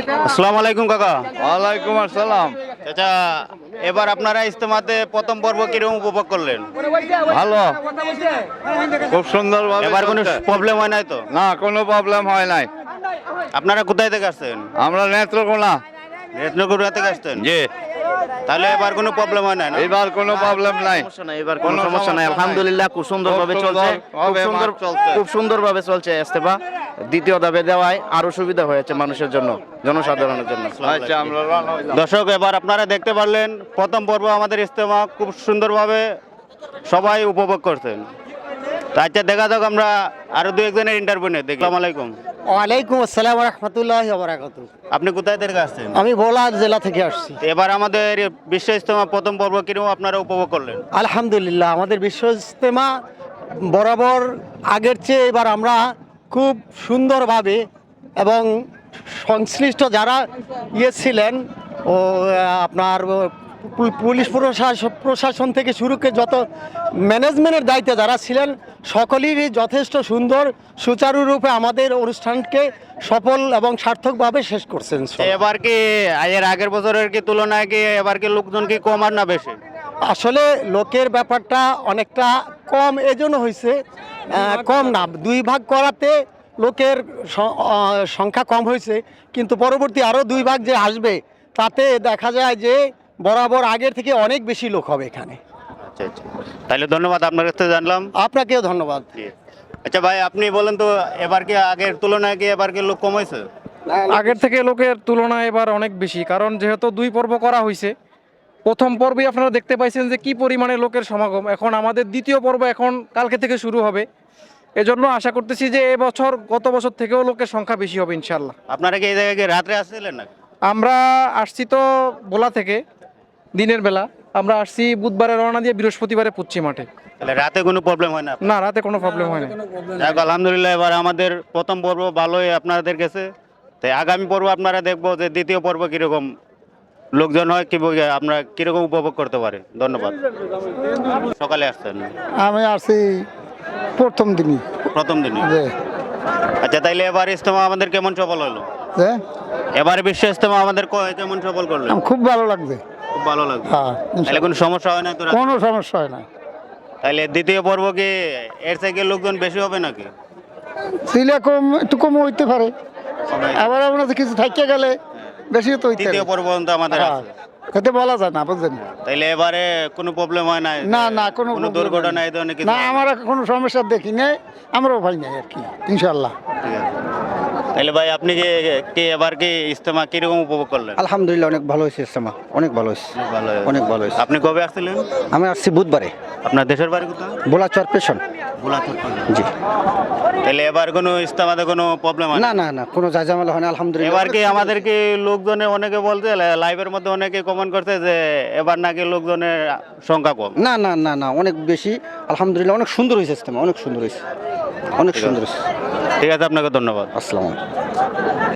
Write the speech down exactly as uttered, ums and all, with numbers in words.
আসসালামু আলাইকুম কাকা। ওয়ালাইকুম আসসালাম। চাচা, এবার আপনারা ইজতেমাতে প্রথম পর্ব কিরকম উপভোগ করলেন? ভালো, খুব সুন্দর। এবার কোনো প্রবলেম হয় নাই তো? না, কোনো প্রবলেম হয় নাই। আপনারা কোথায় থেকে আসছেন? আমরা নেত্রকোনা। রত্নগুড়া থেকে আসছেন? জি। তাহলে এবার কোনো প্রবলেম হয় না? এবার কোনো প্রবলেম নাই। এবার কোনো সমস্যা নাই, আলহামদুলিল্লাহ খুব সুন্দরভাবে খুব চলছে। সুন্দর খুব ভাবে সুন্দর মাঠ চলছে। খুব সুন্দরভাবে চলছে ইস্তেফা। দ্বিতীয় ধাপে দেওয়ায় আরো সুবিধা হয়েছে মানুষের জন্য, জনসাধারণের জন্য। আচ্ছা, আমরা রওনা হইলাম। দর্শক, এবার আপনারা দেখতে পারলেন প্রথম পর্ব আমাদের ইজতেমা খুব সুন্দরভাবে সবাই উপভোগ করছেন। তো আচ্ছা, দেখা যাক আমরা আরো দু একজনের ইন্টারভিউ নিয়ে দেখি। আসসালামু আলাইকুম। ওয়ালাইকুম আসসালাম রহমতুল্লাহ বারাকাতু। আপনি কোথায় থেকে আসছেন? আমি ভোলা জেলা থেকে আসছি। এবার আমাদের বিশ্ব ইজতেমা প্রথম পর্ব কিরকম আপনারা উপভোগ করলেন? আলহামদুলিল্লাহ আমাদের বিশ্ব ইজতেমা বরাবর আগের চেয়ে এবার আমরা খুব সুন্দরভাবে এবং সংশ্লিষ্ট যারা ইয়ে ছিলেন ও আহ, আপনার পু- পুলিশ প্রশাসন প্রশাসন থেকে শুরু করে যত ম্যানেজমেন্টের দায়িত্বে যারা ছিলেন সকলেরই যথেষ্ট সুন্দর সুচারুরূপে আমাদের অনুষ্ঠানকে সফল এবং সার্থকভাবে শেষ করছেন। এবার কি এর আগের বছরের কি তুলনায় কি এবার কি লোকজন কি কম আর না বেশি? আসলে লোকের ব্যাপারটা অনেকটা কম এজন্য হয়েছে, আহ, কম না দুই ভাগ করাতে লোকের স- আহ, সংখ্যা কম হয়েছে, কিন্তু পরবর্তী আরও দুই ভাগ যে আসবে তাতে দেখা যায় যে বরাবর আগের থেকে অনেক বেশি লোক হবে এখানে। আচ্ছা আচ্ছা, তাহলে ধন্যবাদ, আপনার কাছ থেকে জানলাম। আপনাকেও ধন্যবাদ। আচ্ছা ভাই, আপনি বলেন তো এবার কি আগের তুলনায় কি এবার কি লোক কম হয়েছে? আগের থেকে লোকের তুলনায় এবার অনেক বেশি, কারণ যেহেতু দুই পর্ব করা হয়েছে। প্রথম পর্বে আপনারা দেখতে পাইছেন যে কি পরিমাণে লোকের সমাগম। এখন আমাদের দ্বিতীয় পর্ব এখন কালকে থেকে শুরু হবে। এজন্য আশা করতেছি যে এবছর গত বছর থেকেও লোকের সংখ্যা বেশি হবে ইনশাল্লাহ। আপনারা কি এই জায়গায় কি রাত্রে আসছিলেন না? আমরা আসছি তো ভোলা থেকে দিনের বেলা, আমরা আসছি বুধবারে রওনা দিয়ে বৃহস্পতিবারে পুচ্ছি মাঠে। তাহলে রাতে কোনো প্রবলেম হয় না? না, রাতে কোনো প্রবলেম হয় না। যাক, আলহামদুলিল্লাহ এবার আমাদের প্রথম পর্ব ভালোই আপনাদের গেছে। তাই আগামী পর্ব আপনারা দেখবো যে দ্বিতীয় পর্ব কিরকম লোকজন হয়, কি আমরা কিরকম উপভোগ করতে পারি। ধন্যবাদ। সকালে আসছেন? আমি আসছি প্রথম দিনই। প্রথম দিনে? আচ্ছা, তাইলে এবার ইজতেমা আমাদের কেমন সফল হলো? এবার বিশ্ব ইজতেমা আমাদের ক- কেমন সফল করলেন? খুব ভালো লাগবে। খুব ভালো লাগলো। হ্যাঁ, তাহলে কোনো সমস্যা হয় না তো? কোনো সমস্যা হয় না। তাহলে দ্বিতীয় পর্ব কি এর থেকে লোকজন বেশি হবে নাকি? ছিলে কম একটু কম হইতে পারে, আবার আমরা কিছু থাইকে গেলে বেশি তো হইতে তৃতীয় পর্ব পর্যন্ত আমাদের হ্যাঁ, আছে। খেতে বলা যায় না, বুঝলেন? তাইলে এবারে কোনো প্রবলেম হয় না? না না কোনো কোনো problem দুর্ঘটনা নাই। এই ধরনের কিছু? না, আমার কোনো সমস্যা দেখি নাই, আমরাও ভাই নাই আর কি, ইনশাল্লাহ। ঠিক আছে। তাহলে ভাই, আপনি কি কি এবার কি ইজতেমা কিরকম উপভোগ করলেন? আলহামদুলিল্লাহ অনেক ভালো হয়েছে ইস্তেমা, অনেক ভালো হয়েছে, ভালো হয়েছে। অনেক ভালো হয়েছে। আপনি কবে আসছিলেন? আমি আসছি বুধবারে, আপনার দেশের বাড়ি কোথায়? ভোলা চরপেশন। জি। তাহলে এবার কোনো ইজতেমাতে কোনো প্রবলেম হয় না না না, কোনো জায়জামেলা হয় না, আলহামদুলিল্লাহ। এবার কি আমাদের কি লোকজনে অনেকে বলছে, লাইভের মধ্যে অনেকে কমেন্ট করছে যে এবার নাকি লোকজনের সংখ্যা কম? না না না না, অনেক বেশি, আলহামদুলিল্লাহ অনেক সুন্দর হয়েছে ইস্তেমা, অনেক সুন্দর হয়েছে, অনেক সুন্দর হয়েছে। ঠিক আছে, আপনাকে ধন্যবাদ। আসসালামু আলাইকুম।